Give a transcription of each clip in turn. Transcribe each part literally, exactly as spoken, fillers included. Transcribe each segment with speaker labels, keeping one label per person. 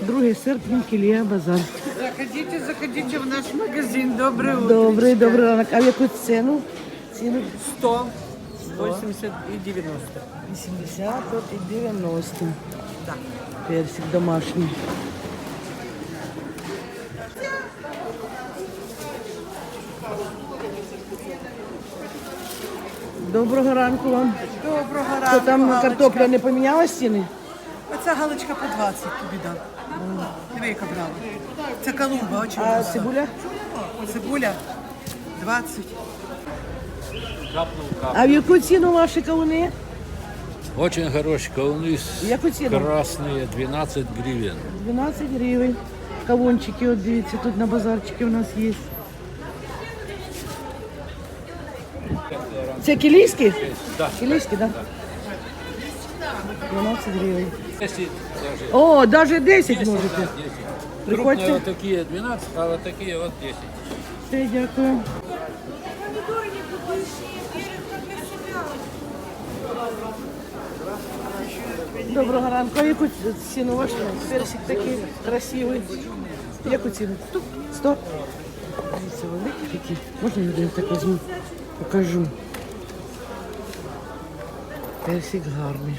Speaker 1: другий серпня, Кілія, базар.
Speaker 2: Заходите, заходите в наш магазин. Доброе утро.
Speaker 1: Добрий, добрий ранок. А в яку ціну? Ціну
Speaker 2: сто, восемьдесят и девяносто.
Speaker 1: вісімдесят от і дев'яносто.
Speaker 2: Да.
Speaker 1: Персик домашній. Доброго ранку вам.
Speaker 2: Доброго
Speaker 1: Що
Speaker 2: ранку,
Speaker 1: там
Speaker 2: Галочка.
Speaker 1: картопля не поміняла ціни?
Speaker 2: Оця галочка по двадцять тобі дам. Диви, яка брала. Це Колумба, очень
Speaker 1: А
Speaker 2: вкусна.
Speaker 1: цибуля?
Speaker 2: Цибуля двадцять.
Speaker 1: А в яку ціну ваші кавуни?
Speaker 3: Очень хорошие кавуны
Speaker 1: Яку ціну?
Speaker 3: красные, двенадцать гривен.
Speaker 1: дванадцять гривень. Кавунчики, от дивіться, тут на базарчикі у нас є. Це кілійські?
Speaker 3: Да.
Speaker 1: Кілійські, так? дванадцять гривень.
Speaker 3: десять даже.
Speaker 1: О, навіть десять можете.
Speaker 3: десять. Крупные
Speaker 1: Приходьте.
Speaker 3: вот такие двенадцать, а вот такие вот десять.
Speaker 1: Все, дякую. Доброго ранку. А яку ціну ваш персик такий красивий? Яку ціну? Сто? Дивіться, великі такі. Можна я один так візьму? Покажу. Персик гарний.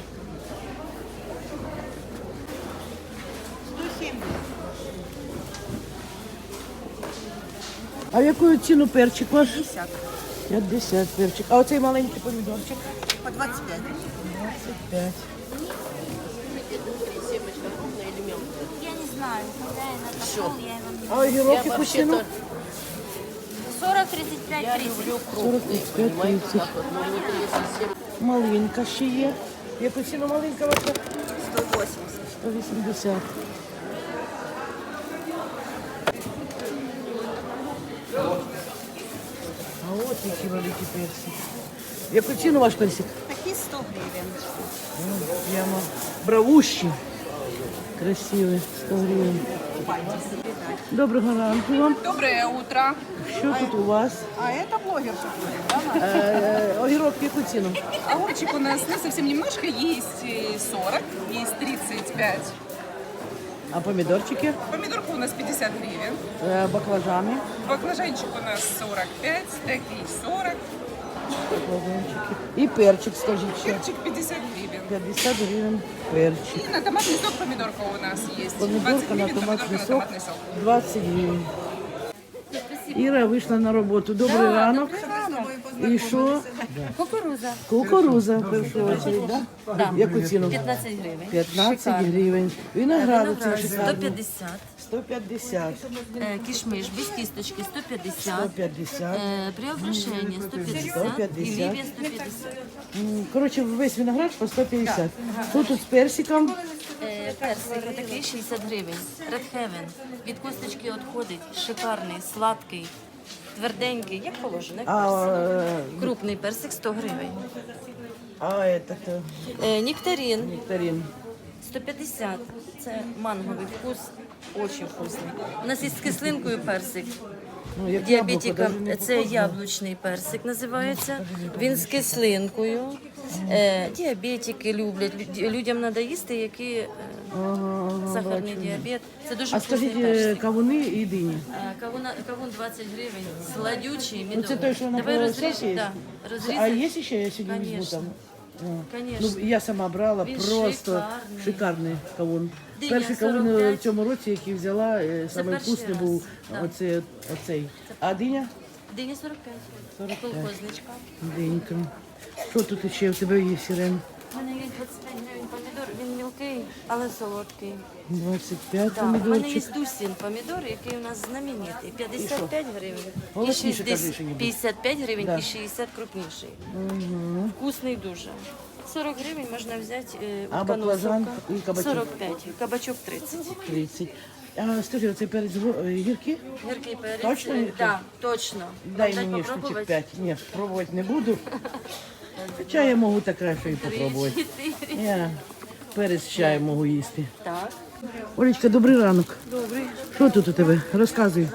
Speaker 1: А в яку ціну перчик ваш?
Speaker 2: п'ятдесят.
Speaker 1: п'ятдесят перчик. А оцей маленький помідорчик?
Speaker 2: По двадцять п'ять.
Speaker 1: двадцять п'ять.
Speaker 4: Я не знаю, хозяин отошел, я его не
Speaker 1: А огірок яку ціну?
Speaker 4: сорок, тридцать пять, тридцать.
Speaker 1: сорок, тридцять п'ять, тридцять. Малинка ще є. Яку ціну малинка ваша?
Speaker 2: сто восемьдесят.
Speaker 1: сто вісімдесят. А от які великі персики. Яку ціну ваш персик?
Speaker 2: Такі сто гривень.
Speaker 1: Ну, прямо бравущі. Красиві, сто гривень. Доброго ранку вам.
Speaker 5: Доброе утро.
Speaker 1: Що тут у вас?
Speaker 5: А это блогерша будет, да?
Speaker 1: Е, огірок в яку ціну?
Speaker 5: Огурчик у нас ну, совсем немножко, есть и сорок, есть тридцать пять.
Speaker 1: А помідорчики?
Speaker 5: Помидорка у нас пятьдесят гривен.
Speaker 1: Е, баклажани.
Speaker 5: Баклажанчик у нас сорок пять, такие сорок.
Speaker 1: Баклажанчики. І перчик, скажіть ще.
Speaker 5: Перчик пятьдесят гривен.
Speaker 1: п'ятдесят гривень перчик.
Speaker 5: И на томатный сок помидорка у нас есть. двадцать
Speaker 1: Помідорка на
Speaker 5: гривен,
Speaker 1: томатний
Speaker 5: помидорка на
Speaker 1: сок
Speaker 5: томатный сок.
Speaker 1: двадцять гривень. Іра вийшла на роботу. Добрий ранок. І що?
Speaker 6: Кукуруза
Speaker 1: Кукуруза в першу очередь, да?
Speaker 6: Да.
Speaker 1: Яку ціну?
Speaker 6: п'ятнадцять гривень.
Speaker 1: п'ятнадцять
Speaker 6: Шикарно.
Speaker 1: гривень. Виноград
Speaker 6: Виноград
Speaker 1: оцей
Speaker 6: сто
Speaker 1: шикарний.
Speaker 6: п'ятдесят.
Speaker 1: сто п'ятдесят.
Speaker 6: Е, Кішмиш без кісточки сто
Speaker 1: сто
Speaker 6: п'ятдесят.
Speaker 1: п'ятдесят.
Speaker 6: Е, Преображення сто п'ятдесят.
Speaker 1: сто п'ятдесят.
Speaker 6: І Лівія сто п'ятдесят.
Speaker 1: М, Коротше, весь виноград по сто п'ятдесят. Що тут з персиком?
Speaker 6: Е, Персик такий шістдесят гривень. Red Heaven. Від косточки відходить. Шикарний, сладкий, тверденький, як положено. як
Speaker 1: А,
Speaker 6: персик.
Speaker 1: е,
Speaker 6: Крупний персик сто гривень.
Speaker 1: а этот, е,
Speaker 6: Е, Нектарин
Speaker 1: нектарин.
Speaker 6: сто п'ятдесят. Це манговий вкус. Очень вкусний. У нас є з кислинкою персик.
Speaker 1: Ну, як
Speaker 6: Діабетикам
Speaker 1: яблуко, даже не
Speaker 6: це яблучний персик називається. Він з кислинкою. Е, Діабетики люблять. Лю- Людям треба їсти, які е,
Speaker 1: Ага, ага,
Speaker 6: сахарний
Speaker 1: бачу.
Speaker 6: діабет. Це дуже
Speaker 1: А
Speaker 6: вкусний
Speaker 1: скажіть, е,
Speaker 6: персик.
Speaker 1: кавуни і дині.
Speaker 6: Е, Кавун, кавун двадцять гривень, сладючий, медовий.
Speaker 1: Ну, це той, що на
Speaker 6: Давай
Speaker 1: полосоті
Speaker 6: розріж,
Speaker 1: є?
Speaker 6: да,
Speaker 1: А
Speaker 6: розрізати.
Speaker 1: є ще, я сьогодні візьму
Speaker 6: Конечно.
Speaker 1: там? А.
Speaker 6: Конечно.
Speaker 1: Ну, я сама брала,
Speaker 6: Він
Speaker 1: просто
Speaker 6: шикарний.
Speaker 1: шикарний кавун.
Speaker 6: Диня
Speaker 1: Перший кавун
Speaker 6: сорок
Speaker 1: е,
Speaker 6: п'ять.
Speaker 1: в цьому році, який взяла, е, самий
Speaker 6: перший
Speaker 1: вкусний
Speaker 6: раз,
Speaker 1: був
Speaker 6: так.
Speaker 1: оцей, оцей. А диня?
Speaker 6: Диня сорок п'ять.
Speaker 1: сорок п'ять.
Speaker 6: Колхозничка.
Speaker 1: Денька. Що тут ще в тебе є, Сірен?
Speaker 6: У мене є двадцять п'ять гривень помідор, він мілкий, але солодкий.
Speaker 1: двадцять п'ять
Speaker 6: Да. У мене є
Speaker 1: помідорчик.
Speaker 6: Дусін помідор, який у нас знаменитий. п'ятдесят п'ять гривень. І
Speaker 1: Голосніше кажи,
Speaker 6: шістдесят
Speaker 1: що ніби.
Speaker 6: п'ятдесят п'ять гривень
Speaker 1: Да.
Speaker 6: і шістдесят крупніший. Вкусний дуже. сорок гривень можна взяти е,
Speaker 1: А
Speaker 6: утканого
Speaker 1: баклажан
Speaker 6: сока.
Speaker 1: і кабачок?
Speaker 6: сорок п'ять, кабачок тридцять.
Speaker 1: тридцять. А скажи, оцей перець го- е, гіркий?
Speaker 6: Гіркий перець.
Speaker 1: Точно
Speaker 6: е,
Speaker 1: гіркий?
Speaker 6: Да, точно.
Speaker 1: Дай
Speaker 6: Вам
Speaker 1: мені
Speaker 6: попробувати?
Speaker 1: штучок п'ять. Ні, пробувати не буду. Хоча я можу так краще і
Speaker 6: Три,
Speaker 1: попробувати.
Speaker 6: чотири.
Speaker 1: Я перець з чаєм можу їсти.
Speaker 6: Так.
Speaker 1: Олечка, добрий ранок. Добрий. Що тут у тебе? Розказуй.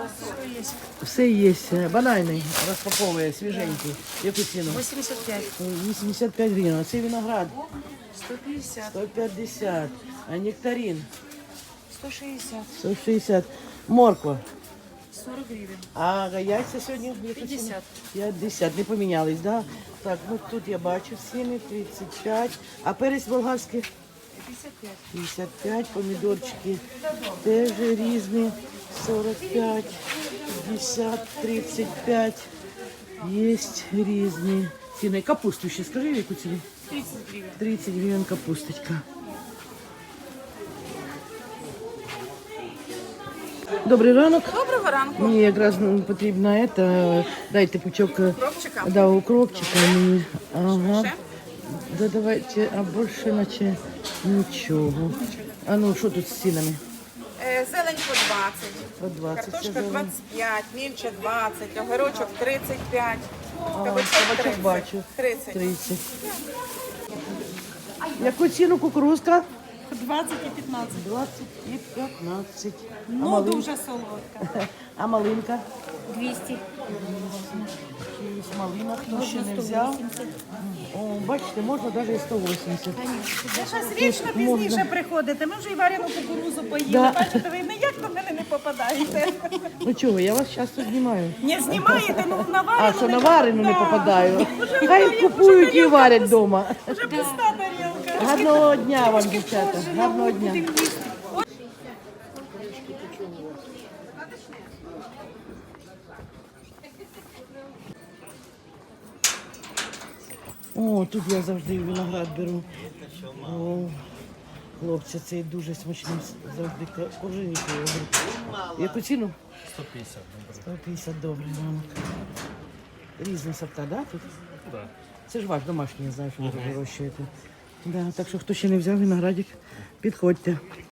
Speaker 1: Все є. Банальний, розпаковує, свіженький. Яку ціну?
Speaker 5: восемьдесят пять.
Speaker 1: вісімдесят п'ять гривень. А це виноград.
Speaker 5: сто пятьдесят.
Speaker 1: сто п'ятдесят. А нектарин?
Speaker 5: сто шестьдесят.
Speaker 1: сто шістдесят. Морква.
Speaker 5: сорок гривен.
Speaker 1: А яйця сьогодні?
Speaker 5: п'ятдесят.
Speaker 1: п'ятдесят. Не помінялись, да? Так, ну тут я бачу ціни, тридцять п'ять. А перець болгарський?
Speaker 5: пятьдесят пять.
Speaker 1: п'ятдесят п'ять. Помідорчики теж різні. сорок п'ять, п'ятдесят, тридцять п'ять. Є різні ціни. Капусту ще скажи, яку ціну?
Speaker 5: тридцать гривен.
Speaker 1: тридцять гривень капусточка. Добрий ранок.
Speaker 5: Доброго ранку.
Speaker 1: Мені якраз ну, потрібно это, дайте пучок е,
Speaker 5: Укропчика?
Speaker 1: да, укропчика мені. Ага.
Speaker 5: Ще?
Speaker 1: Да давайте, а більше наче нічого. А ну, що тут з цінами?
Speaker 7: Е, Зелень по двадцять,
Speaker 1: По двадцять. це
Speaker 7: картошка
Speaker 1: зелень.
Speaker 7: двадцять п'ять, мільча двадцять, огірочок тридцять п'ять,
Speaker 1: А,
Speaker 7: кабачок
Speaker 1: кабачок бачу.
Speaker 7: тридцять.
Speaker 1: тридцять. Яку ціну кукурузка?
Speaker 5: двадцать и пятнадцать.
Speaker 1: двадцять і п'ятнадцять. А
Speaker 5: Ну,
Speaker 1: малинка?
Speaker 5: дуже солодка.
Speaker 1: А малинка?
Speaker 6: двісті.
Speaker 1: Є малина, хто ще не взяв. О, бачите, можна навіть і сто вісімдесят.
Speaker 5: Ви щось вічно пізніше приходите. Ми вже і варену кукурузу поїли.
Speaker 1: Да.
Speaker 5: Бачите, ви ніяк до мене не попадаєте.
Speaker 1: Ну чого, я вас часто знімаю.
Speaker 5: Не знімаєте, ну на
Speaker 1: А
Speaker 5: варену
Speaker 1: що
Speaker 5: не
Speaker 1: на варену не
Speaker 5: Да.
Speaker 1: попадаю? Хай купують і варять вдома.
Speaker 5: Вже пуста тарілка.
Speaker 1: Гарного дня вам, дівчата. Гарного дня. О, тут я завжди виноград беру. О, хлопці, цей дуже смачний завжди коженький. Яку ціну?
Speaker 3: сто пятьдесят.
Speaker 1: сто п'ятдесят, добрий ранок. Різні сорта, да, тут?
Speaker 3: Да.
Speaker 1: Це ж ваш домашній, я знаю, що ви вирощуєте. Да, так що хто ще не взяв виноградик, підходьте.